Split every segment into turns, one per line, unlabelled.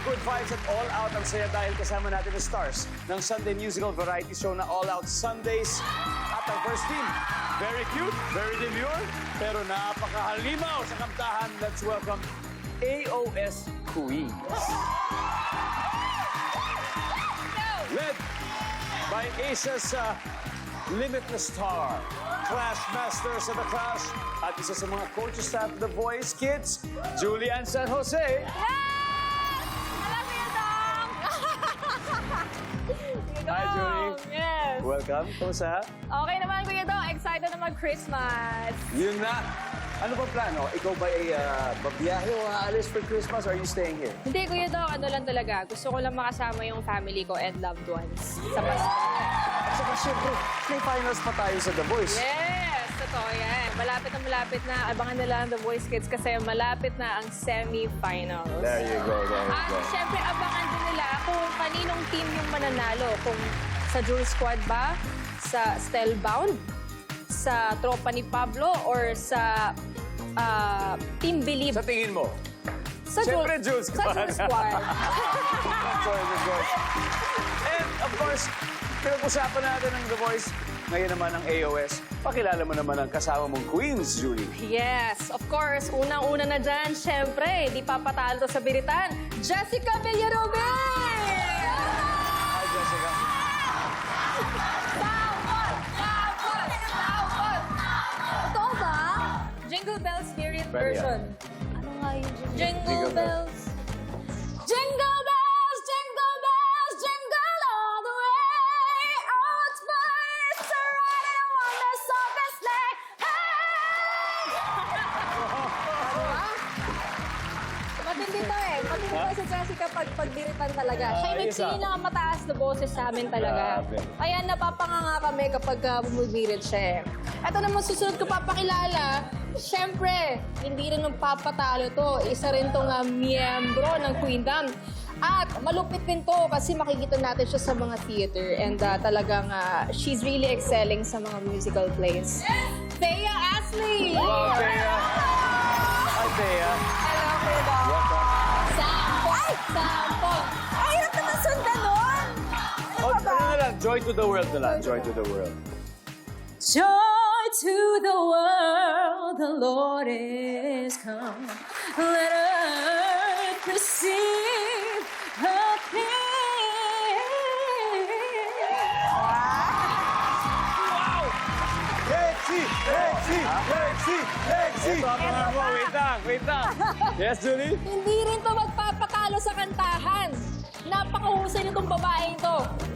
good vibes at all out ang saya dahil kasama natin ang stars ng Sunday musical variety show na All Out Sundays. At ang first team, very cute, very demure, pero napakahalimaw sa kantahan. Let's welcome AOS Queens. Led by Asia's Limitless Star, Clash Masters of the Clash, at isa sa mga coaches staff of The Voice Kids, Julian San Jose. Hi, Julie.
Yes.
Welcome. Kumusta?
Okay naman, Kuya Dong. Excited na mag-Christmas.
Yun na. Ano ba plano? Ikaw ba ay babiyahe o aalis for Christmas or are you staying here?
Hindi, Kuya Dong. Ano lang talaga. Gusto ko lang makasama yung family ko and loved ones. Sa Pasko.
At saka syempre, may finals pa tayo sa The Voice.
Yes! Totoo yan. Malapit na. Abangan nila ang The Voice Kids kasi malapit na ang semi-finals.
There you go, there you
At
go.
syempre, abangan din nila kung kaninong team yung mananalo. Kung sa Jewel Squad ba, sa Stellbound, sa Tropa ni Pablo, or sa Team Believe.
Sa tingin mo?
Sa
Siyempre, Jewel
Sa
Squad.
Jewel Squad.
Of course. And of course, pinag-usapan natin ng The Voice. Ngayon naman ang AOS. Pakilala mo naman ang kasama mong Queens, Julie.
Yes, of course. Unang-una na dyan, syempre, di papatalo to sa biritan. Jessica Villaruben!
Hi, Jessica.
Totoo ba? Jingle Bells Spirit
Pwede
version. Ano nga yung Jingle
Jingle
Bells? Jingle bells, jingle bells, jingle all the way. Oh, it's fun, it's a ride and a wonder so best sleigh. Hey! Matindi to eh. Matindi to si Jessica pag pagbiritan talaga. Siya yung
isa.
pinakamataas na boses sa amin talaga.
Grabe.
Kaya napapanganga kami kapag bumibirit siya eh. Ito naman susunod ko papakilala. Siyempre, hindi rin magpapatalo to. Isa rin tong miyembro ng Queendom. At malupit din to kasi makikita natin siya sa mga theater. And talagang she's really excelling sa mga musical plays. Thea Ashley!
Hello, Thea. Hi, Thea.
Hello, Kuya.
Welcome.
Sample! Ay! Sample! Ay, hirap naman sundan nun!
Ano na lang? Joy to the world na lang. Joy to the world.
Joy to the world, the Lord is come. Let earth receive her King.
Lexi! Lexi! Lexi! Lexi! Ito ang mga mo. Wait lang. Yes, Julie?
Hindi rin to magpapatalo sa kantahan. Napakahusay nitong babaeng to.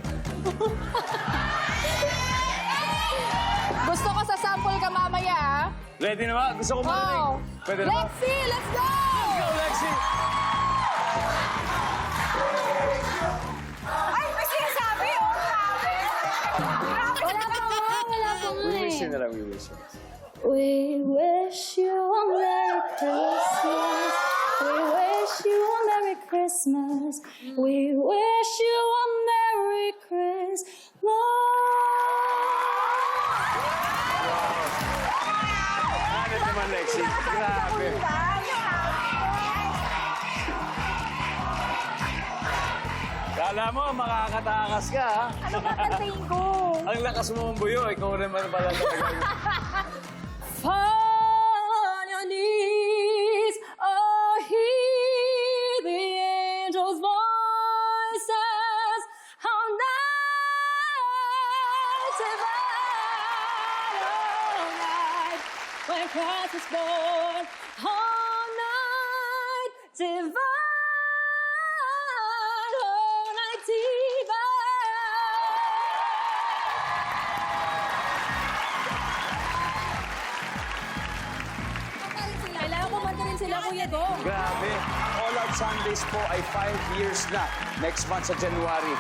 Gusto ko sa sample ka mamaya, ha?
Ready na ba? Gusto ko marinig.
Wow!
Pwede na ba?
Lexi, let's go!
Go, Lexi!
Ay, may sinasabi, oh, grabe! Wala pa
We
nga
wish you
eh.
na lang, we wish you.
We wish you a Merry Christmas. We wish you a Merry Christmas. We wish you a Merry Christmas.
Ano naman, Lexi? Grabe. Kala mo, makakatakas ka, ha?
Ano ba kantayin ko?
Ang lakas mo mong buyo, ikaw naman pala talaga.
Fall on your knees, oh, hear the angels' voices. How night divine, oh, night when Christ was born. All night divine, all night divine. Kailangan kumanta rin sila, Kuya Dong.
Grabe. All Out Sundays po ay 5 years na. Next month sa January.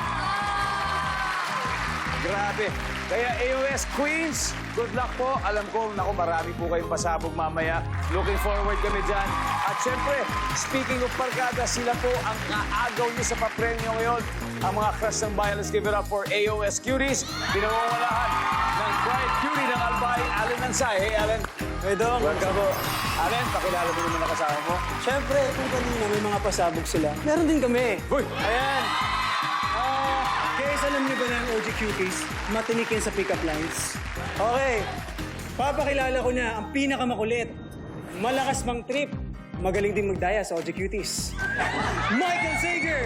Grabe. Kaya AOS Queens, good luck po. Alam ko, naku, marami po kayong pasabog mamaya. Looking forward kami dyan. At syempre, speaking of barkada, sila po ang kaagaw niyo sa papremyo ngayon. Ang mga crush ng bayan, let's give it up for AOS Cuties. Pinawawalahan ng Bright Cutie ng Albay, Allen Ansay. Hey, Allen.
Wedong.
Welcome po. Allen, pakilala mo naman ang kasama mo.
Siyempre, kung kanina may mga pasabog sila, meron din kami.
Uy!
Ayan. Guys, alam niyo ba na ang OG Cuties? Matinik yan sa pick-up lines. Okay. Papakilala ko na ang pinakamakulit. Malakas mang trip. Magaling din magdaya sa OG Cuties. Michael Sager!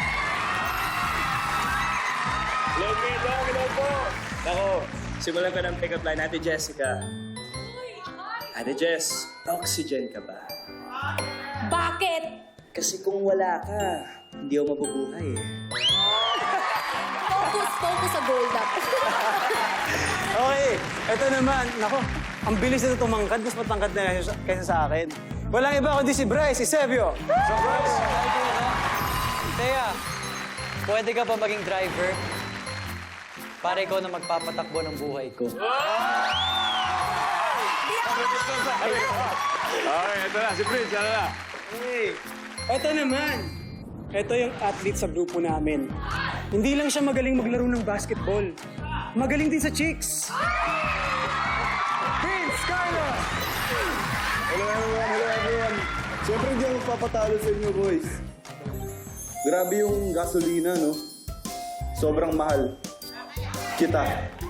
Hello po. Ako, simulan ko ng pick-up line. Ate Jessica. Ate Jess, oxygen ka ba?
Bakit?
Kasi kung wala ka, hindi ako mabubuhay eh.
Focus sa gold up.
Okay, eto naman. Nako, ang bilis na tumangkad. Mas matangkad na kaysa sa akin. Walang iba kundi si Bryce, si Sebio.
So, Bryce,
Thea, pwede ka ba maging driver? Para ikaw na magpapatakbo ng buhay ko.
okay, ito na. Si Prince, ano na?
Hey, eto naman. Eto yung athlete sa grupo namin. Hindi lang siya magaling maglaro ng basketball. Magaling din sa chicks. Vince, Carlo!
Hello everyone. Siyempre hindi ako magpapatalo sa inyo, boys. Grabe yung gasolina, no? Sobrang mahal. Kita.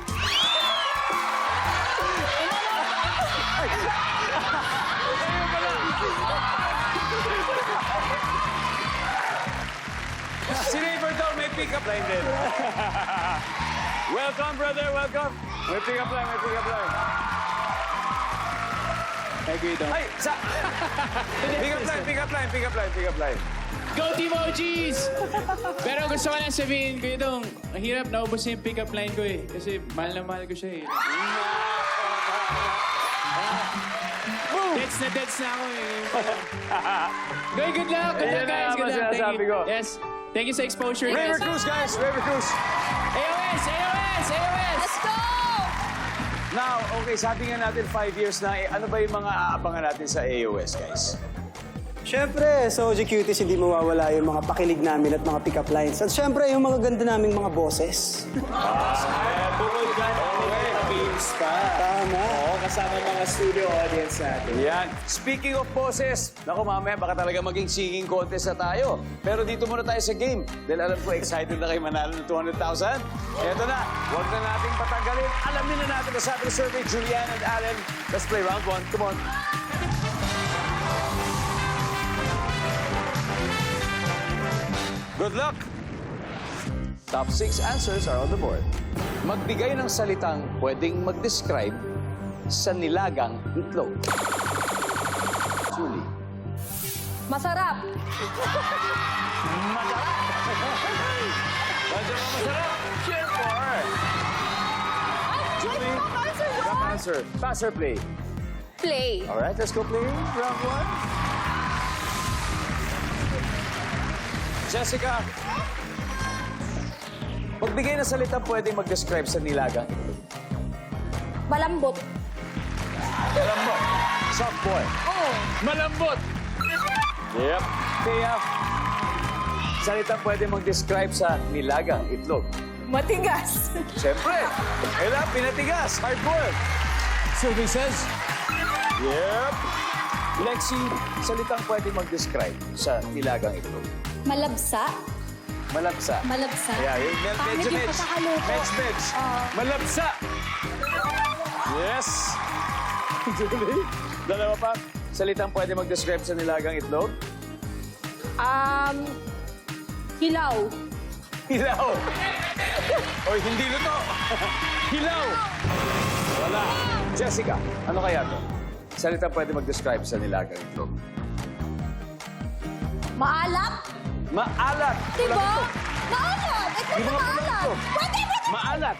Si Neighbor daw may pick-up line din. Welcome, brother. Welcome. May pick-up line, may pick-up line. Ay, sa... pick-up line, pick-up line, pick-up line, pick-up line.
Go Team OGs! Pero gusto ko lang sabihin, Kuya Dong, ang hirap naubos na yung pick-up line ko eh. Kasi mahal na mahal ko siya eh. Deads na ako eh. Goy, good luck! Good
Ayan
luck,
na
guys!
naman
Good luck!
sinasabi ko.
Yes. Thank you sa exposure,
River
guys.
Cruz, guys. River Cruz.
AOS! AOS! AOS!
Let's go!
Now, okay, sabi nga natin 5 years na. Ano ba yung mga aabangan natin sa AOS, guys?
Siyempre, sa OG Cuties, hindi mawawala yung mga pakilig namin at mga pick-up lines. At siyempre, yung mga ganda naming mga boses.
Bukod dyan, may beams pa.
Tama.
Oo, kasama mga studio audience natin.
Yan. Speaking of boses, naku mamaya baka talaga maging singing contest na tayo. Pero dito muna tayo sa game. Dahil alam ko excited na kayo manalo ng 200,000. Eto na, huwag na nating patanggalin. Alamin na natin ang sabi ng survey, Julian and Allen. Let's play round 1. Come on. Good luck! Top 6 answers are on the board. Magbigay ng salitang pwedeng mag-describe sa nilagang itlog. Julie.
Masarap.
Masarap! Sure! Julie. Top answer. Pass or play?
Play.
All right, let's go play round 1. Jessica. Magbigay ng salita pwedeng mag-describe sa nilagang itlog.
Malambot.
Malambot. Soft boy.
Oo.
Malambot. Yep. Kaya, salita pwedeng mag-describe sa nilagang itlog.
Matigas.
Siyempre. Kailan, pinatigas. Hard boiled. Survey says. Yep. Lexi, salitang pwedeng mag-describe sa nilagang itlog.
Malabsa.
Malabsa.
Malabsa.
Yeah, yung
Pangit yung pagkakaluto.
Medj. Malabsa. Yes. Julie, dalawa pa. Salitang pwede mag-describe sa nilagang itlog.
Hilaw.
Hilaw. Oy, hindi luto. Hilaw. Wala. Jessica, ano kaya to? Salitang pwede mag-describe sa nilagang itlog.
Maalat.
Maalat.
Diba? Maalat. Ito
Di
na
ba
maalat.
ito?
Pwede.
Maalat.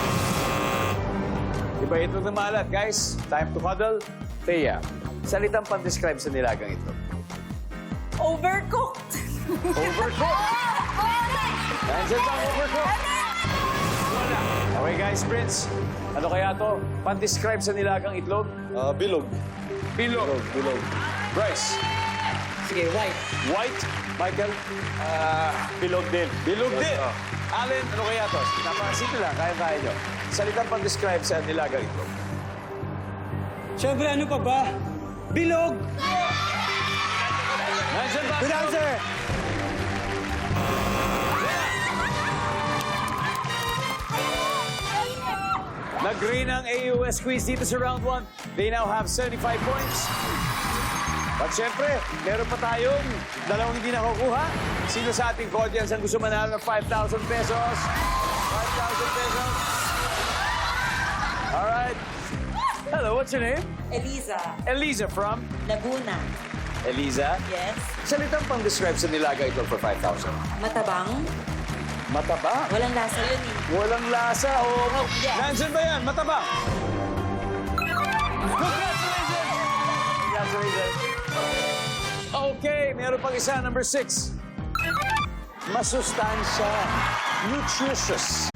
Iba itlog na maalat, guys. Time to huddle. Thea, salitang pan-describe sa nilagang itlog.
Overcooked.
Overcooked. Nandiyan ba ang overcooked? Wala. Okay, guys, Prince. Ano kaya to? Pan-describe sa nilagang itlog?
Bilog.
Bilog.
Bilog.
Bryce.
Sige, white.
White. Michael. Bilog din. Bilog din. Allen, ano kaya to? Napakasimple lang. Kaya-kaya nyo. Salitang pan-describe sa nilagang itlog.
Siyempre, ano pa ba? Bilog!
Nandiyan ba?
Good answer!
Nag-green ang AUS quiz dito sa round 1. They now have 75 points. At syempre, meron pa tayong dalawang hindi nakukuha. Sino sa ating audience ang gusto manalo ng 5,000 pesos? 5,000 pesos. All right. Hello, what's your name?
Eliza,
Eliza from?
Laguna.
Eliza?
Yes.
Salitang pang-describe sa nilaga ito for 5,000.
Matabang.
Mataba?
Walang lasa yun eh.
Walang lasa. Oo.
Yes.
Nandiyan ba yan? Mataba? Congratulations! Congratulations. Okay, meron pang isa, number 6. Masustansya. Nutritious.